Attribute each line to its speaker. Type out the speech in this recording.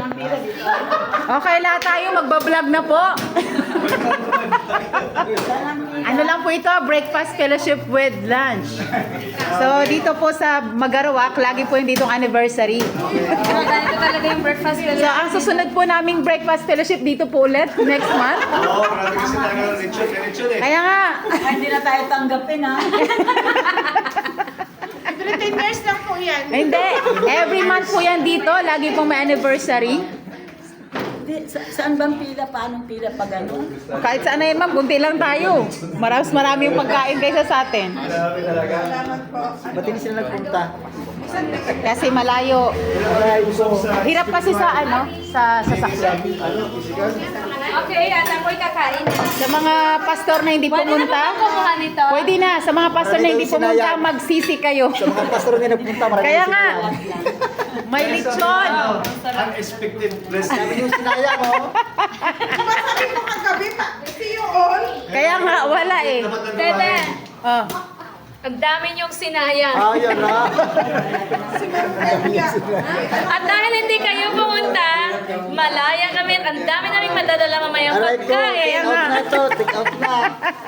Speaker 1: Okay, lahat tayo magbablog na po. Ano lang po ito, breakfast fellowship with lunch. So, dito po sa Magarawak, lagi po yung ditong anniversary.
Speaker 2: Ganito talaga yung breakfast
Speaker 1: So, ang susunod po naming breakfast fellowship dito po ulit, next month.
Speaker 3: Oo, marami kasi tayo ng lechon eh.
Speaker 1: Kaya nga,
Speaker 4: Ay, hindi na tayo tanggapin, ha?
Speaker 2: 10 years lang po yan.
Speaker 1: hindi. Every month po yan dito, lagi pong may anniversary.
Speaker 4: Saan bang pila? Paanong pila pa gano'n?
Speaker 1: Kahit saan na yun, ma'am, kunti lang tayo. Marami yung pagkain kaysa sa atin.
Speaker 3: Marami talaga.
Speaker 5: Ba't hindi sila nagpunta?
Speaker 1: Kasi malayo. Hirap kasi sa sasakyan.
Speaker 2: Okay, alam ko kakain.
Speaker 1: Sa mga pastor na hindi pumunta,
Speaker 2: Kumuha nito.
Speaker 1: pwede na. Sa mga pastor na hindi pumunta, magsisi kayo.
Speaker 5: Sa mga pastor na nagpunta, marami
Speaker 1: Kaya
Speaker 5: yung
Speaker 1: nga,
Speaker 5: sinayang.
Speaker 1: may lechon.
Speaker 3: Unexpected blessing.
Speaker 5: Sabi yung sinayang, oh.
Speaker 2: Sabi mo kagabi pa. See you all.
Speaker 1: Kaya nga, wala eh.
Speaker 2: Tete,
Speaker 1: Oh.
Speaker 2: ang dami niyong sinayang.
Speaker 5: Ah, yan na.
Speaker 2: At dahil hindi kayo pumunta, malaya kami. Ang dami naming madadala mamayang
Speaker 5: Aray ko,
Speaker 2: pagkain.
Speaker 5: take out na to, take out na.